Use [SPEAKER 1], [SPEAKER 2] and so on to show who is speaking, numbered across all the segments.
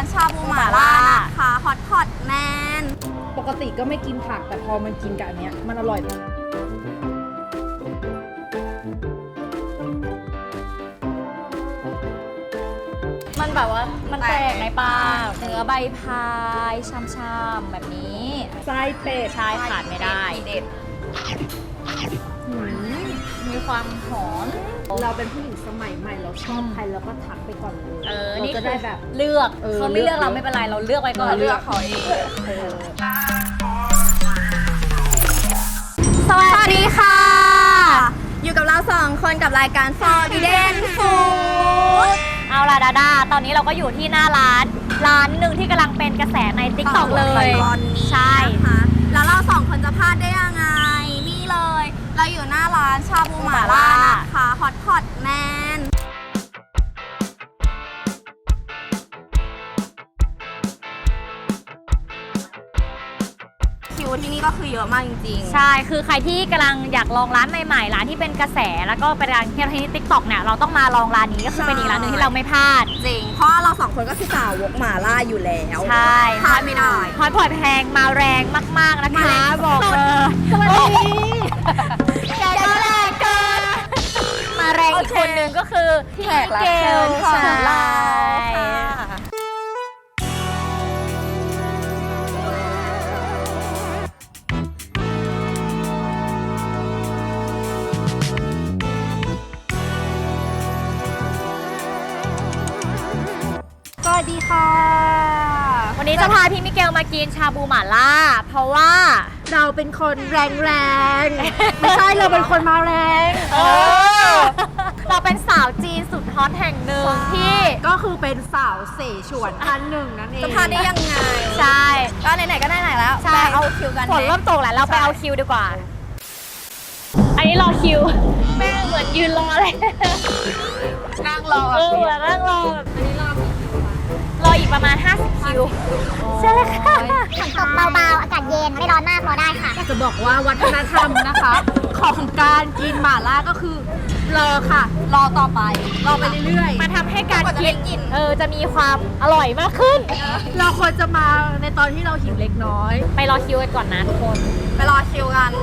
[SPEAKER 1] านชาบูหม่าล่านะคะฮอตพอตแมน
[SPEAKER 2] ปกติก็ไม่กินผักแต่พอมันกินกับอันเนี้ยมันอร่อยมาก
[SPEAKER 3] มันแบบว่ามันแตกในปากเนื้อใบพายช่ำๆแบบนี้
[SPEAKER 2] ไส้เป็ด
[SPEAKER 3] ใช่ขาดไม่ได้
[SPEAKER 1] เด็ด
[SPEAKER 3] มีความหอม
[SPEAKER 2] เราเป็นผู้หญิงสมัยใหม่เราชอบใครเราก็ทักไปก่อนเลย เรา
[SPEAKER 3] นี่
[SPEAKER 2] จะ
[SPEAKER 3] คื
[SPEAKER 2] ได้
[SPEAKER 3] อ
[SPEAKER 2] แบบ
[SPEAKER 3] เลือก เขาไม่เลือก
[SPEAKER 2] เลื
[SPEAKER 3] เรา
[SPEAKER 2] อก
[SPEAKER 3] ไม่เป็นไรเราเลือกไว้ก่อน
[SPEAKER 1] เลือกเขาเอง สวัสดีค่ะ อยู่กับเรา2 คนกับรายการ Forbidden Food
[SPEAKER 3] เอาล่ะดาดาตอนนี้เราก็อยู่ที่หน้าร้านหนึ่งที่กำลังเป็นกระแสใน TikTok เลย
[SPEAKER 1] ตอนนี้
[SPEAKER 3] ใช่
[SPEAKER 1] นะคะแล้วเรา2 คนจะพลาดได้ยังไง นี่เลย เราอยู่หน้าร้านชาบูหม่าล่านะคะฮอตพอตแมนคิวที่นี่ก็คือเยอะมากจริงๆ
[SPEAKER 3] ใช่ คือใครที่กำลังอยากลองร้านใหม่ๆ ร้านที่เป็นกระแส แล้วก็เป็นร้านที่ใน TikTok เนี่ย เราต้องมาลองร้านนี้ก็คือเป็นอีกร้านหนึ่งที่เราไม่พลาด
[SPEAKER 1] จริง เพราะเรา2 คนก็คือสาวกหม่าล่าอยู่แล้ว
[SPEAKER 3] ใช่
[SPEAKER 1] พลาดไม่ได้
[SPEAKER 3] ฮอตพอตแพงมาแรงมากๆนะคะ บอกเลย
[SPEAKER 1] สวัสดี
[SPEAKER 3] แกก็แรงเกิน มาแรงอีกคนนึงก็คือพี่
[SPEAKER 1] แขกรับเชิญของเราค่ะ
[SPEAKER 2] สวัสดีค่ะ
[SPEAKER 3] วันนี้จะพาพี่มิเกลมากินชาบูหม่าล่า เพราะว่า
[SPEAKER 2] เราเป็นคนแรงๆ ไม่ใช่เราเป็นคนมาแรง
[SPEAKER 3] เราเป็นสาวจีนสุดฮอตแห่งหนึ่งที่
[SPEAKER 2] ก็คือเป็นสาวเสฉวนท่านหนึ่งนั่นเอง
[SPEAKER 1] จะพลาดได้ยังไง
[SPEAKER 3] ใช่
[SPEAKER 1] ก็ไหนๆก็ไหนๆแล้ว
[SPEAKER 3] ใช่
[SPEAKER 1] ไปเอาคิวกัน
[SPEAKER 3] ฝนเริ่มตกแล้วเราไปเอาคิวดีกว่า อันนี้รอคิว แม่งเหมือนยืนรอเลย
[SPEAKER 1] นั่งรอ
[SPEAKER 3] เหมือนนั่งรอแบบรออีกประมาณ 50 คิว ใช่ค่ะ
[SPEAKER 4] ฝนตกเบาๆ อากาศเย็น ไม่ร้อนมากรอได้ค่ะ
[SPEAKER 2] จะบอกว่าวัฒนธรรมนะคะ ของการกินหม่าล่าก็คือรอค่ะ
[SPEAKER 1] รอต่อไป
[SPEAKER 2] รอไปเรื่อย
[SPEAKER 3] มาทำให้การ
[SPEAKER 1] กว่าจะ
[SPEAKER 3] กิ
[SPEAKER 1] ได้
[SPEAKER 3] น
[SPEAKER 1] กิน
[SPEAKER 3] จะมีความอร่อยมากขึ้น
[SPEAKER 2] ๆ เราควรจะมาในตอนที่เราหิวเล็กน้อย
[SPEAKER 3] ไปรอคิวกันก่อนนะทุกคน
[SPEAKER 1] ไปรอคิวกัน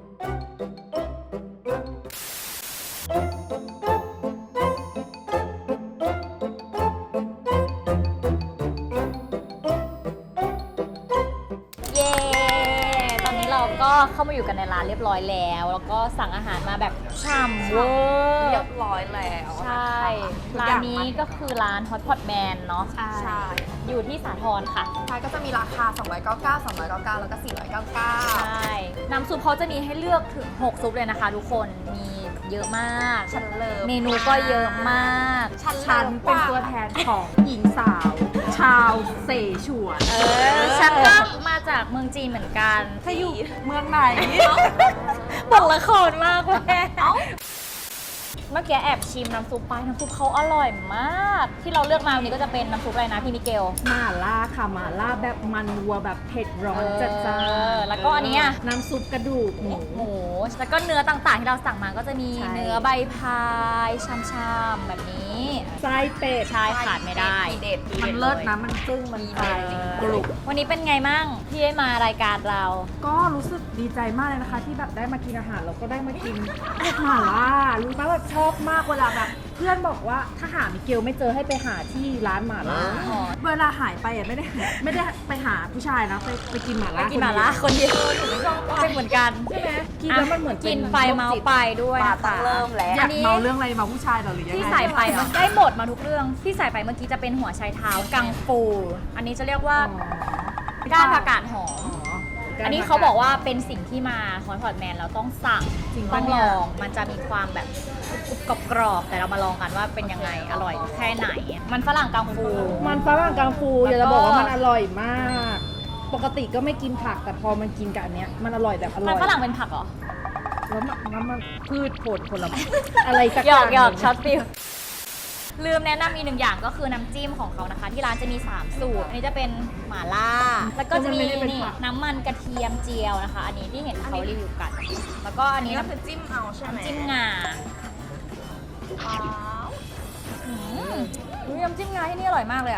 [SPEAKER 3] เย้ ตอนนี้เราก็เข้ามาอยู่กันในร้านเรียบร้อยแล้ว แล้วก็สั่งอาหารมาแบบฉ่ำเวอร์
[SPEAKER 1] เรียบร้อยแล้ว
[SPEAKER 3] ใช่ ร้านนี้ก็คือร้าน Hot Pot Man เนาะ
[SPEAKER 1] ใช่
[SPEAKER 3] อยู่ที่สาทรค่ะ
[SPEAKER 1] ใช่ก็จะมีราคา 299 299 แล้วก็ 499
[SPEAKER 3] ใช่ น้ำซุปเขาจะมีให้เลือกถึง 6 ซุปเลยนะคะทุกคน มีเยอะมาก
[SPEAKER 1] ฉันเลิฟ
[SPEAKER 3] เมนูก็เยอะมาก
[SPEAKER 1] ฉัน
[SPEAKER 2] ฉันเป็นตัวแทนของหญิงสาว ชาวเสฉวน
[SPEAKER 3] ฉันก็มาจากเมืองจีนเหมือนกัน
[SPEAKER 2] ถ้าอยู่เมืองไหน
[SPEAKER 3] บอกละครมากแม่เมื่อกี้แอบชิมน้ำซุปไปน้ำซุปเขาอร่อยมาก ที่เราเลือกมาวันนี้ก็จะเป็นน้ำซุปอะไรนะพี่มิเกล
[SPEAKER 2] หม่าล่าค่ะหม่าล่าแบบมันวัวแบบเผ็ดร้อนจัดจ้าน
[SPEAKER 3] แล้วก็อันนี้อะ
[SPEAKER 2] น้ำซุปกระดูกหมู
[SPEAKER 3] หมู แล้วก็เนื้อต่างๆที่เราสั่งมาก็จะมี
[SPEAKER 2] ใช่
[SPEAKER 3] เนื้อใบพายช่ำๆแบบนี้
[SPEAKER 2] ไส้เป็ด
[SPEAKER 3] ใช่ขาดไม่ได้
[SPEAKER 1] เด็ด
[SPEAKER 2] มันเลิศนะมันจึ้งมันไฟกรุบ
[SPEAKER 3] วันนี้เป็นไงมั่งที่ได้มารายการเรา
[SPEAKER 2] ก็รู้สึกดีใจมากเลยนะคะ ที่แบบได้มากินอาหารแล้วก็ได้มากินหม่าล่ารู้ไหมว่าชอบมากเวลาแบบเพื่อนบอกว่าถ้าหามิเกลไม่เจอให้ไปหาที่ร้านหม่าล่า
[SPEAKER 3] อ๋อ
[SPEAKER 2] เวลาหายไปอ่ะไม่ได้ไปหาผู้ชายนะไปกินหม่า
[SPEAKER 3] ไป
[SPEAKER 2] ล่า
[SPEAKER 3] กินหม่าล่าคนเดียวหนูไม่ชอบเป็นเหมือนกัน
[SPEAKER 2] ใช่ไหมกินแล้วมันเหมือน
[SPEAKER 3] กินไปเมาไปด้วย
[SPEAKER 1] ปา
[SPEAKER 3] นะ
[SPEAKER 1] ต้อ
[SPEAKER 3] คะ
[SPEAKER 1] งเริ่มแล้ว
[SPEAKER 2] อยากเมาเรื่องอะไรเมาผู้ชายเหรอหรือยังไง
[SPEAKER 3] ที่ใส่ไปมันได้หมดมาทุกเรื่อง ที่ใส่ไปเมื่อกี้จะเป็นหัวไชเท้ากังฟู อันนี้จะเรียกว่าก้านผักกาดหอม อันนี้เขาบอกว่าเป็นสิ่งที่มาฮอตพอตแมนเราต้องสั่ง
[SPEAKER 2] จริง
[SPEAKER 3] ต้
[SPEAKER 2] ปะ
[SPEAKER 3] อง
[SPEAKER 2] เนี่
[SPEAKER 3] ล
[SPEAKER 2] ย
[SPEAKER 3] อง มันจะมีความแบบกรอบๆแต่เรามาลองกันว่าเป็นยังไง อร่อยแค่ไหน มันฝรั่งกังฟู
[SPEAKER 2] มันฝรั่งกังฟูอยากจะบอกว่ามันอร่อยมาก ปกติก็ไม่กินผักแต่พอมันกินกับอันเนี้ยมันอร่อยแบบอร่
[SPEAKER 3] มั
[SPEAKER 2] อน ย
[SPEAKER 3] ฝรั่งเป็นผักเหรอ
[SPEAKER 2] แล้วมันพืชผลไม้อะไรสัก
[SPEAKER 3] หยอก
[SPEAKER 2] อย่าง
[SPEAKER 3] ช็อตฟิลลืมแนะนำอีกหนึ่งอย่างก็คือน้ำจิ้มของเขานะคะ ที่ร้านจะมี 3 สูตร อันนี้จะเป็นหม่าล่า แล้วก็จะมีนี่น้ำมันกระเทียมเจียวนะคะ อันนี้ที่เห็นเขารีวิวกัน แล้วก็อัน
[SPEAKER 1] นี่
[SPEAKER 3] นี้
[SPEAKER 1] ก็คือจิ้มเอาใช่ไหม
[SPEAKER 3] น้ำจิ้มงา
[SPEAKER 1] ว้าว
[SPEAKER 3] น้ำจิ้มงาที่นี่อร่อยมากเลยอ่ะ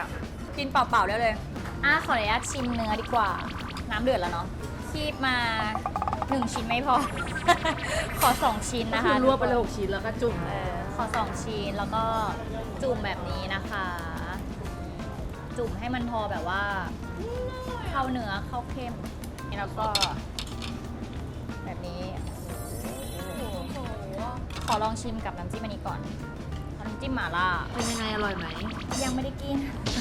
[SPEAKER 3] กินเปล่าๆได้เลยขออนุญาตชิมเนื้อดีกว่า น้ำเดือดแล้วเนาะคีบมา1ชิ้นไม่พอ ขอ2ชิ้น
[SPEAKER 2] ก็
[SPEAKER 3] นะ
[SPEAKER 2] คื
[SPEAKER 3] คะ
[SPEAKER 2] อรวบไปเลย6ชิ้นแล้วก็จุ่ม
[SPEAKER 3] ขอ2ชิ้นแล้วก็จุ่มแบบนี้นะคะ จุ่มให้มันพอแบบว่า เข้าเนื้อเข้าเข้มแล้วก็แบบนี้ขอลองชิมกับน้ำจิ้มอันนี้ก่อนน้ำจิ้มหม่าล่า
[SPEAKER 2] เป็นยังไงอร่อยไหม
[SPEAKER 3] ยังไม่ได้กิน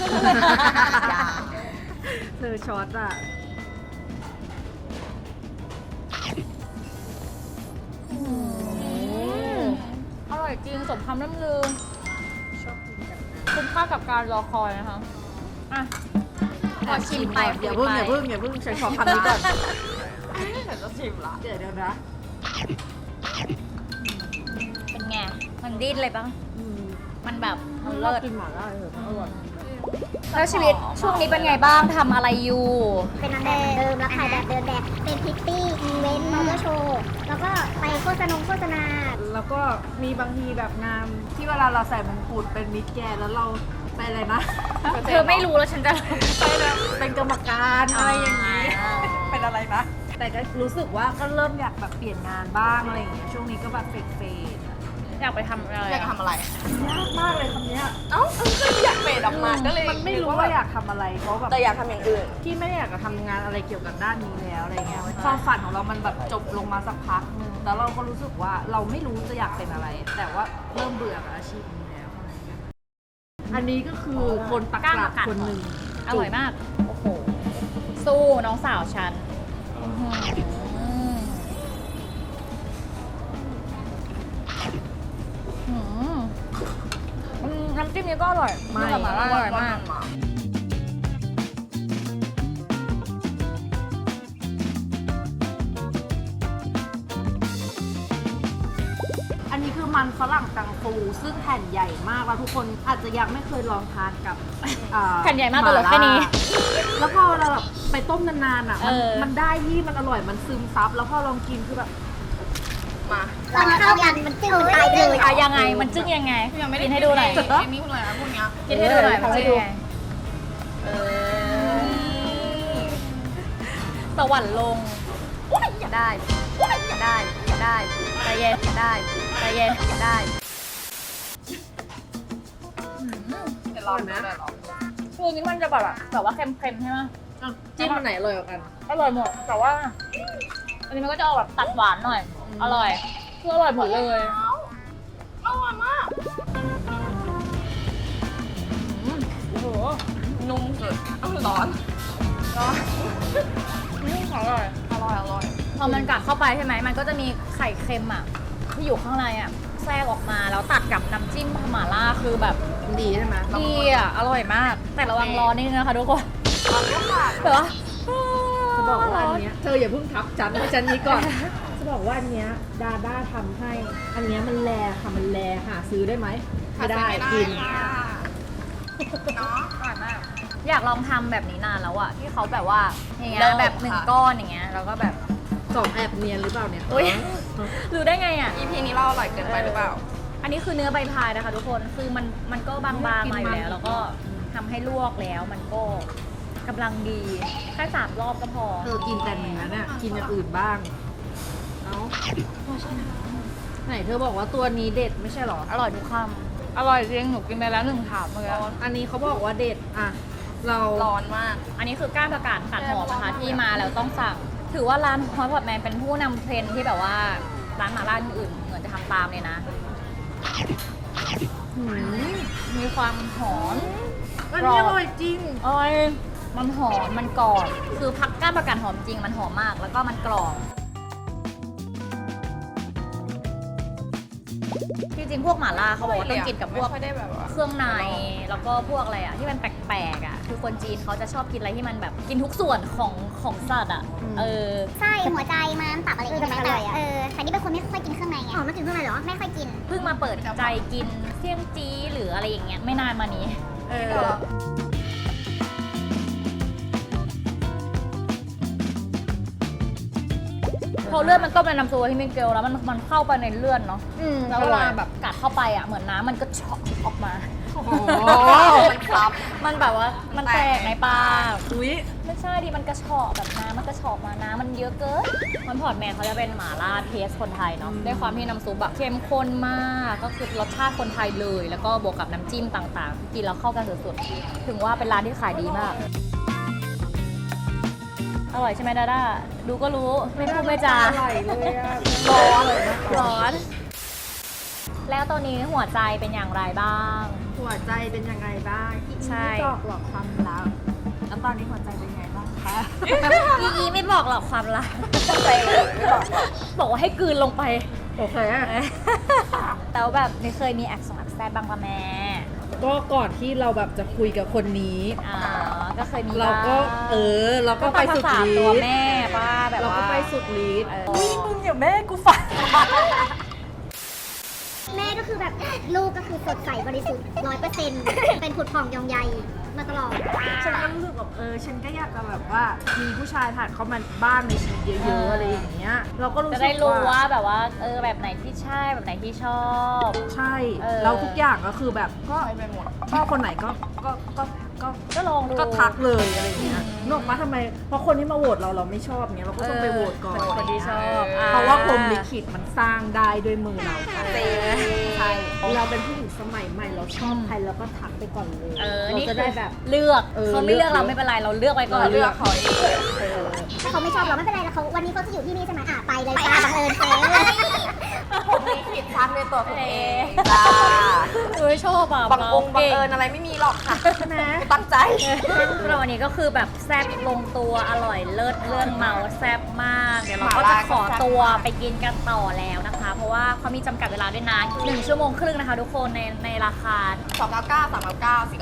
[SPEAKER 2] เธอช็อตอ่ะ
[SPEAKER 3] อร่อยจริงสมคำล่ำลือ
[SPEAKER 2] ชอบกินกับ
[SPEAKER 3] คุ้มค่ากับการรอคอยนะคะอ่ะขอชิมไป
[SPEAKER 2] อย่าเพิ่งฉันขอคำนี้ก่อน
[SPEAKER 1] ฉันจะชิมละ
[SPEAKER 2] เดี๋ยวนะ
[SPEAKER 3] เป็นไง มันดิ้นเลยปะมันแบบมัน
[SPEAKER 2] เลิ
[SPEAKER 3] เลิ
[SPEAKER 2] ศ
[SPEAKER 3] ศ
[SPEAKER 2] กินหม่าล่าเลยอร่อย
[SPEAKER 3] แล้วชีวิตช่วงนี้เป็นไงบ้างทำอะไรอยู่
[SPEAKER 4] เป็นนางแบบเดิมรับถ่ายแบบเดินแบบ เป็นพริตตี้อีเวนต์มอเตอร์โชว์ แล้วก็ไปโฆษณา
[SPEAKER 2] แล้วก็มีบางทีแบบงานที่เวลาเราใส่มงกุฎเป็นมิสแกรนด์แล้วเราไปอะไรนะ
[SPEAKER 3] เธอไม่รู้แล้วฉันจะ
[SPEAKER 2] ไปแบบเป็นกรรมการอะไรอย่างนี้
[SPEAKER 1] เป็นอะไรนะ
[SPEAKER 2] แต่ก็รู้สึกว่าก็เริ่มอยากแบบเปลี่ยนงานบ้างอะไรอย่างเงี้ย ช่วงนี้ก็แบบเฟดๆอะ
[SPEAKER 3] อยากไปทำอะไร
[SPEAKER 1] อยากทำอะไร
[SPEAKER 2] ยากมากเลยคำเนี้ย
[SPEAKER 1] เอ้าก็อยากเฟดออกมาก็เลย
[SPEAKER 2] มันไม่รู้ว่าอยากทำอะไร เพราะแบบ
[SPEAKER 1] แต่อยากทำอย่างอื่น
[SPEAKER 2] ที่ไม่ได้อยากจะทำงานอะไรเกี่ยวกับด้านนี้แล้วอะไรเงี้ย ความฝันของเรามันแบบจบลงมาสักพักนึงแล้วเราก็รู้สึกว่าเราไม่รู้จะอยากเป็นอะไร แต่ว่าเริ่มเบื่อกับอาชีพนี้แล้วอะไรเงี้ยอันนี้ก็คือคนตักกะคนหนึ่ง
[SPEAKER 3] อร่อยมาก โอ้โห สู้น้องสาวฉันอื้อหือน้ำจิ้มนี้ก็อร่อย
[SPEAKER 2] ไม่
[SPEAKER 3] น้ำหม่าล่าอร่อยมาก
[SPEAKER 2] อันนี้คือมันฝรั่งกังฟูซึ่งแผ่นใหญ่มากแล้วทุกคนอาจจะยังไม่เคยลองทานกับ
[SPEAKER 3] แผ่นใหญ่มากตัวเหลือแค่นี้
[SPEAKER 2] แล้วพอเราแบบไปต้มนานๆอ่ะมันได้ที่มันอร่อยมันซึมซับแล้วพอลองกินคือแบบ
[SPEAKER 1] มา
[SPEAKER 4] ตอนเข้ากันมันจึ้งมันตายเลย
[SPEAKER 3] ยังไง มันจึ้งยังไง
[SPEAKER 1] ยังไม่ได้
[SPEAKER 3] กินให้ดูหน่อย
[SPEAKER 1] เอมี่พูดเลยนะพวกเนี้ย
[SPEAKER 3] กินให้ดูหน่อยมันจึ้งยังไงสวรรค์ลงอย่าได้อย่าได้อย่าได้ใจเย็นอย่าได้ใจเย็นอย่าได้
[SPEAKER 1] เดี๋ยวลองดู
[SPEAKER 3] คือนี้มันจะแบบว่าเค็มๆใช่ไหม
[SPEAKER 2] จิ้มอันไหนอร่อยกว่ากัน
[SPEAKER 3] อร่อยหมด แต่ว่า อันนี้มันก็จะออกแบบตัดหวานหน่อย อร่อย คืออร่อยหมดเลย
[SPEAKER 1] อร่อยมาก
[SPEAKER 3] โอ้โห
[SPEAKER 1] นุ่มสุดร้อน
[SPEAKER 3] อร่อย
[SPEAKER 1] อร่อย
[SPEAKER 3] พอมันกัดเข้าไปใช่ไหม มันก็จะมีไข่เค็มอ่ะ ที่อยู่ข้างในอ่ะ แทรกออกมา แล้วตัดกับน้ำจิ้มหม่าล่าคือแบบ
[SPEAKER 2] ดีใช่ไหม
[SPEAKER 3] ดีอ่ะ อร่อยมาก แต่ระวังร้อนนิดนึงนะคะทุกคน
[SPEAKER 1] ร้อนก็ค่ะ
[SPEAKER 3] แต่ว่า
[SPEAKER 2] จะบอกว่าอันเนี้ยเธออย่าเพิ่งทับจันให้จันนี้ก่อน จะบอกว่าอันเนี้ยดาด้าทำให้ อันเนี้ยมันแลค่ะมันแลหาซื้อได้ไหมไม่ได้กิน
[SPEAKER 1] เนาะ
[SPEAKER 3] อร่อยมาก อยากลองทำแบบนี้นานแล้วอะที่เขาแบบว่าอย่างเงี้ย
[SPEAKER 1] เริ่ม
[SPEAKER 3] แบบหนึ่ง
[SPEAKER 1] ค่ะ
[SPEAKER 3] ก้อนอย่างเงี้ยแล้วก็แบบ
[SPEAKER 2] สองแอบเนียนหรือเปล่าเนี่ย
[SPEAKER 3] อุ๊ย รู้ได้ไงอะ
[SPEAKER 1] EP นี้เราอร่อยเกินไปหรือเปล่า
[SPEAKER 3] อันนี้คือเนื้อใบพายนะคะทุกคนคือมันก็บางๆมาอยู่แล้ว แล้วก็ทำให้ลวกแล้วมันก็กำลังดีแค่3 รอบก็พอ
[SPEAKER 2] เธอกินแต่เนื้อเนี่ยกินอย่างอื่นบ้าง เอ้าไหนเธอบอกว่าตัวนี้เด็ดไม่ใช่หรอ
[SPEAKER 3] อร่อยทุกคำอร่อยจริงหนูกินไปแล้ว1 ถาดเมื่อกี้
[SPEAKER 2] อันนี้เขาบอกว่าเด็ดอ่ะเรา
[SPEAKER 1] ร้อนมาก
[SPEAKER 3] อันนี้คือก้านประกาศตัดหอมนะคะที่มาแล้วต้องสั่ง ถือว่าร้านฮอตพอตแมนเป็นผู้นำเทรนด์ที่แบบว่าร้านหม่าล่าอื่นเหมือนจะทำตามเลยนะ
[SPEAKER 2] หืม
[SPEAKER 3] มีความหอม
[SPEAKER 2] อันนี้อร่อยจริง
[SPEAKER 3] อร่อยมันหอม มันกรอบ คือพักก้านประกาศหอมจริง มันหอมมาก แล้วก็มันกรอบ จริงๆ พวกหม่าล่าเขาบอกว่าต้องกินกับพวก
[SPEAKER 1] ไม่ค่อยได้แบบว่า
[SPEAKER 3] เครื่องใน แล้วก็พวกอะไรอ่ะ ที่มันแปลกๆอ่ะ คือคนจีนเขาจะชอบกินอะไรที่มันแบบกินทุกส่วนของสัตว์อ่ะ เออ
[SPEAKER 4] ไส้หัวใจม้ามตับอะไรอย่างเงี้ยแต่แต่นี่เป็นคนไม่ค่อยกินเครื่องในไงอ๋อไม่กินเครื่องในเหรอ ไม่ค่อยกิน
[SPEAKER 3] เพิ่งมาเปิดใจกินเสี่ยงจี้หรืออะไรอย่างเงี้ยไม่นานมานี้ เออ พอเลือดมันต้มในน้ำซุปที่มิเกลแล้วมันเข้าไปในเลือดเนาะแล้วเวลาแบบกัดเข้าไปอ่ะเหมือนน้ำมันก็ช็อกออกมา
[SPEAKER 1] หมันซับ
[SPEAKER 3] มันแบบว่ามันแตกในปาก
[SPEAKER 2] อุ้ย
[SPEAKER 3] ไม่ใช่ดิมันกระชอกแบบน้ำมันกระชอกมาน้ำมันเยอะเกินมันพอร์ตแมนเขาจะเป็นหม่าล่าเทสคนไทยเนาะด้วยความที่น้ำซุปแบบเข้มข้นมากก็คือรสชาติคนไทยเลย แล้วก็บวกกับน้ำจิ้มต่างๆกินแล้วเข้ากันสุดๆถึงว่าเป็นร้านที่ขายดีมากอร่อยใช่ไหมดาด้าดูก็รู้ไม่พูดไม่จา
[SPEAKER 2] อร่อยเลยอะ
[SPEAKER 3] ร้อนแล้วตอนนี้หัวใจเป็นอย่างไรบ้าง
[SPEAKER 2] หัวใจเป็นยังไงบ้างพี่
[SPEAKER 3] ใช่
[SPEAKER 2] ไม่บอกหรอกความลับแล้วตอนนี้หัวใจเป็นยังไงบ้างคะ
[SPEAKER 3] อีไม่บอกหรอกความลับบอกว่าให้กลืนลงไป
[SPEAKER 2] โอเค
[SPEAKER 3] แต่ว่าแบบไม่เคยมีแอคสองแอคแซดบ้างปะแม่
[SPEAKER 2] ก็ก่อนที่เราแบบจะคุยกับคนนี้
[SPEAKER 3] ก็เคยมี
[SPEAKER 2] เราก็
[SPEAKER 3] บ้าง
[SPEAKER 2] เราก็ไปสุด
[SPEAKER 3] ภาษา
[SPEAKER 2] ฤ
[SPEAKER 3] ตัว
[SPEAKER 2] ทธิ์
[SPEAKER 3] แม่ป้าแบบ
[SPEAKER 2] เรา
[SPEAKER 3] ว่า
[SPEAKER 2] ก็ไปสุดฤทธิ์
[SPEAKER 3] อุ้ยมึงอย่าแม่กูฟัง
[SPEAKER 4] แม่ก็คือแบบลูกก็คือสดใสบริสุทธิ์100%เป็นผุดผ่องยองใยมาตลอด
[SPEAKER 2] ฉันก็รู้สึกแบบฉันก็อยากจะแบบว่ามีผู้ชายผ่านเข้ามาบ้านในชีวิตเยอะๆอะไรอย่างเงี้ย เราก็รู้สึ
[SPEAKER 3] จะ
[SPEAKER 2] ก
[SPEAKER 3] ได้รู้ว่าแบบว่าแบบไหนที่ใช่แบบไหนที่ชอบ
[SPEAKER 2] ใช่
[SPEAKER 3] เออ
[SPEAKER 2] แล้วทุกอย่างก็คือแบบก็ไปหมดชอบคนไหนก็
[SPEAKER 3] ก็ลองดู
[SPEAKER 2] ก็ทักเลยอะไรอย่างเงี้ยนึกออกมาทำไมเพราะคนที่มาโหวตเราไม่ชอบเงี้ยเราก็ต้องไปโหวตก่อน
[SPEAKER 3] เป็นคนที่ชอบ
[SPEAKER 2] เพราะว่าพรหมลิขิตมันสร้างได้ด้วยมือเราค่ะ
[SPEAKER 1] เซ่
[SPEAKER 2] ใช่เราเป็นผู้หญิงสมัยใหม่เราชอบใครเราก็ทักไปก่อนเลย เรา
[SPEAKER 3] นี่
[SPEAKER 2] จะ
[SPEAKER 3] คื
[SPEAKER 2] ได้
[SPEAKER 3] อ
[SPEAKER 2] แบบ
[SPEAKER 3] เลือก เขาไม่เลือก
[SPEAKER 2] เลือก
[SPEAKER 3] เราไม่เป็นไรเราเลือกไว้ก่อน
[SPEAKER 2] เราเลือกเขาเอง
[SPEAKER 4] ถ้าเขาไม่ชอบเราไม่เป็นไรแล้วเขาวันนี้เขาจะอยู่ที่นี่ใช่ไหมไปเลยจ้าบังเอิญเฟ้
[SPEAKER 1] ผมมีผิดชั้นในตัวคุณเอง
[SPEAKER 3] จ้า
[SPEAKER 1] จ้า
[SPEAKER 3] ชอบอ่ะ
[SPEAKER 1] บังเอิญอะไรไม่มีหรอกค่ะ
[SPEAKER 2] นะ
[SPEAKER 1] ตั้งใจ
[SPEAKER 3] เราวันนี้ก็คือแบบแซ่บลงตัวอร่อยเลิศเรื่องเมาแซ่บมาก เดี๋ยวเราก็จะขอตัวไปกินกันต่อแล้วนะคะ เพราะว่าเขามีจำกัดเวลาด้วยนะ1 ชั่วโมงครึ่งนะคะทุกคนในราคา
[SPEAKER 1] 299 399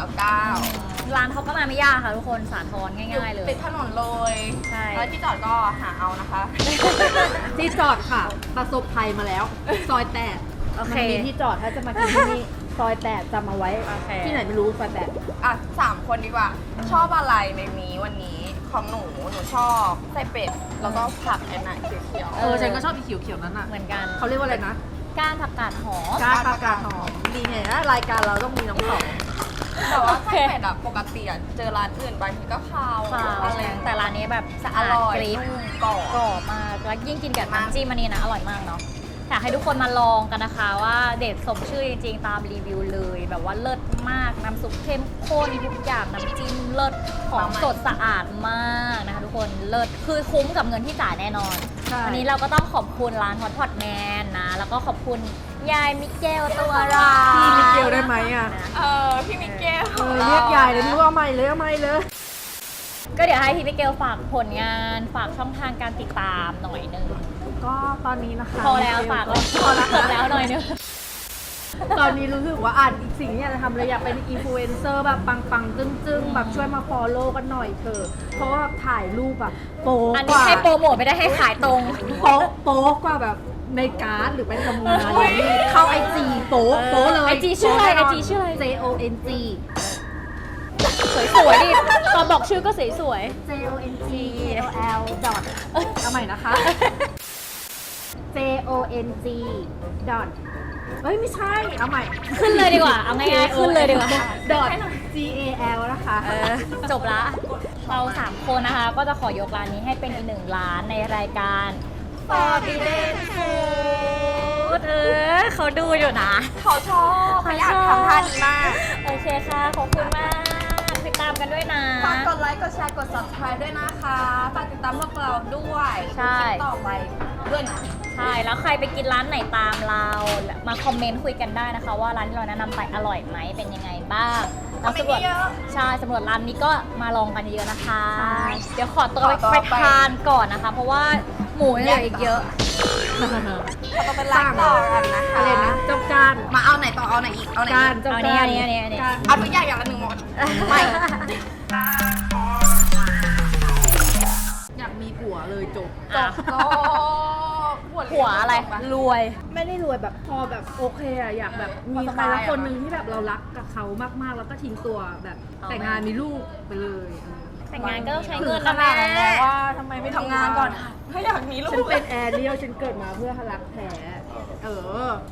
[SPEAKER 1] 499
[SPEAKER 3] ร้านเขาก็มาไม่ยากค่ะทุกคนสาทรง่ายๆเลย
[SPEAKER 1] ติดถนนเลย
[SPEAKER 3] ใช่
[SPEAKER 1] แล้วที่จอดก็หาเอานะคะ
[SPEAKER 2] ที่จอดค่ะ ประสบภัยมาแล้ว ซอยแตก
[SPEAKER 3] โอ
[SPEAKER 2] มั
[SPEAKER 3] เค
[SPEAKER 2] มีที่จอดถ้าจะมากินที่นี่ ซอยแตกจำเอาไว้
[SPEAKER 3] โอเค
[SPEAKER 2] ที่ไหนไม่รู้ซอยแตก
[SPEAKER 1] อ่ะ3 คนดีกว่า ชอบอะไรในนี้วันนี้ของหนูชอบไส้เป็ด แล้วก็ผักไอ้น่ะเขียว
[SPEAKER 2] ฉันก็ชอบอีเขียวๆนั้นอ่ะ
[SPEAKER 3] เหมือนกัน
[SPEAKER 2] เขาเรียกว่าอะไรนะ
[SPEAKER 3] ก้านผักกาดหอม
[SPEAKER 2] ก้านผักกาดหอมดีไงนะรายการเราต้องมีน้องสอง
[SPEAKER 1] ๆแต่ว่าไส้เป็ดอ่ะปกติอ่ะเจอร้านอื่นบางทีก็คาว
[SPEAKER 3] ค่ะ
[SPEAKER 1] อะไร
[SPEAKER 3] แต่ร้านนี้แบบสะ
[SPEAKER 1] อ
[SPEAKER 3] อาด
[SPEAKER 1] ร่อย
[SPEAKER 3] กริบ
[SPEAKER 1] นุ่มกรอบ
[SPEAKER 3] กรอบมากแล้วยิ่งกินกับน้ำจิ้มอันนี้นะอร่อยมากเนาะอยากให้ทุกคนมาลองกันนะคะว่าเด็ดสมชื่อจริงๆตามรีวิวเลย แบบว่าเลิศมากน้ำซุปเข้มข้นทุกอย่างน้ำจิ้มเลิศของสดสะอาดมากนะคะทุกคนเลิศคือคุ้มกับเงินที่จ่ายแน่นอน
[SPEAKER 2] ใช่
[SPEAKER 3] วันนี้เราก็ต้องขอบคุณร้านฮอตพอตแมนนะแล้วก็ขอบคุณยายมิเกลตัวร้าย
[SPEAKER 2] พี่มิเกลได้ไหมอ่ะ
[SPEAKER 1] พี่มิเกล
[SPEAKER 2] เรียกยายเลยไม่รู้เอาใหม่เลยเอาใหม่เลย
[SPEAKER 3] ก็เดี๋ยวให้พี่มิเกลฝากผลงานฝากช่องทางการติดตามหน่อยหนึง
[SPEAKER 2] ก็ตอนนี้นะคะ
[SPEAKER 3] พอแล้วฝากแล้ว
[SPEAKER 2] พอแล้ว
[SPEAKER 3] จบแล้วหน่อยนึง
[SPEAKER 2] ตอนนี้รู้สึกว่าอีกสิ่งที่อยากจะทำเลยอยากเป็นอินฟลูเอนเซอร์แบบปังๆจึ้งๆแบบช่วยมาฟอลโล่กันหน่อยเถอะเพราะว่าถ่ายรูปแบบโป๊
[SPEAKER 3] อัน
[SPEAKER 2] ก
[SPEAKER 3] นี้
[SPEAKER 2] ว่า
[SPEAKER 3] ให้โปรโมทไม่ได้ให้ขายตรง
[SPEAKER 2] โป๊กว่าแบบในการ์ดหรือไปทำงานอย่างนี้เข้าไอจีโป๊เลย
[SPEAKER 3] IG ชื่ออะไร IG ชื่ออะไร
[SPEAKER 2] JONG
[SPEAKER 3] สวยๆดิตอนบอกชื่อก็สวย
[SPEAKER 2] JONG KOL ดอทเอาใหม่นะคะ JONG ดอทเอ้ยไม่ใช่เอาใหม่
[SPEAKER 3] ๆขึ้นเลยดีกว่าเอาง่ายๆขึ้นเลยดีกว่า
[SPEAKER 2] ดอท GAL นะคะ
[SPEAKER 3] จบละเรา3คนนะคะ ก็จะขอยกร้านนี้ให้เป็นอีกหนึ่งร้านในรายการ Forbidden Food เขาดูอยู่นะ
[SPEAKER 1] เขาชอบเขาอยากทำท่านี้มาก
[SPEAKER 3] โอเคค่ะ ขอบคุณมาก ติดตามกันด้วยนะ
[SPEAKER 1] ฝากกดไลค์ กดแชร์ กด subscribe ด้วยนะคะ ฝากติดตามพวกเราด้วย
[SPEAKER 3] ใช่
[SPEAKER 1] คลิปต่อไปด้วยนะ
[SPEAKER 3] ใช่ แล้วใครไปกินร้านไหนตามเรา มาคอมเมนต์คุยกันได้นะคะ ว่าร้านที่เราแนะนำไปอร่อยไหมเป็นยังไงบ้าง
[SPEAKER 1] คอมเมนต์เยอะ
[SPEAKER 3] ใช่สำรวจร้านนี้ก็มาลองกันเยอะๆนะคะ
[SPEAKER 2] ใช่
[SPEAKER 3] เดี๋ยวขอตัว
[SPEAKER 1] ขอตัว
[SPEAKER 3] ไป
[SPEAKER 1] ไป
[SPEAKER 3] ทานก่อนนะคะ เพราะว่าหมูยังเหลืออีกเยอะ
[SPEAKER 1] เราต้องเป็นไลฟ์ต่อกันนะคะ
[SPEAKER 2] อะไรนะเจ้าการ
[SPEAKER 1] มาเอาไหนต่อ เอาไหนอีก เอาไหน
[SPEAKER 2] กา
[SPEAKER 1] อี
[SPEAKER 2] ร
[SPEAKER 1] ก
[SPEAKER 2] เจ้า
[SPEAKER 3] เอา
[SPEAKER 2] การ
[SPEAKER 3] อันนี้
[SPEAKER 2] การ
[SPEAKER 1] เอาทุกอย่างอย่างละหนึ่งหมด ไม่
[SPEAKER 2] อยากมีผัวเลยจบ
[SPEAKER 3] อ่ะ
[SPEAKER 1] ก็
[SPEAKER 3] หัวอะไร รวย
[SPEAKER 2] ไม่ได้รวยแบบพอแบบโอเคอะอยากแบบมีใครละคนหนึ่งที่แบบเรารักกับเขามากๆ แล้วก็ทิ้งตัวแบบแต่งงานมีลูกไปเลย
[SPEAKER 3] แต่งงานก็ต้องใช้
[SPEAKER 2] ถึ
[SPEAKER 3] เงิน
[SPEAKER 2] ง
[SPEAKER 3] นะ
[SPEAKER 2] ข
[SPEAKER 3] แม่
[SPEAKER 2] นาดนั้นแล้วว่าทำไมไม่
[SPEAKER 1] ทำงานก่อนค่ะถ้าอยากมีลู
[SPEAKER 2] ฉัน
[SPEAKER 1] ก
[SPEAKER 2] เป็นแอร์เรียลฉันเกิดมาเพื่อรักแท้เออ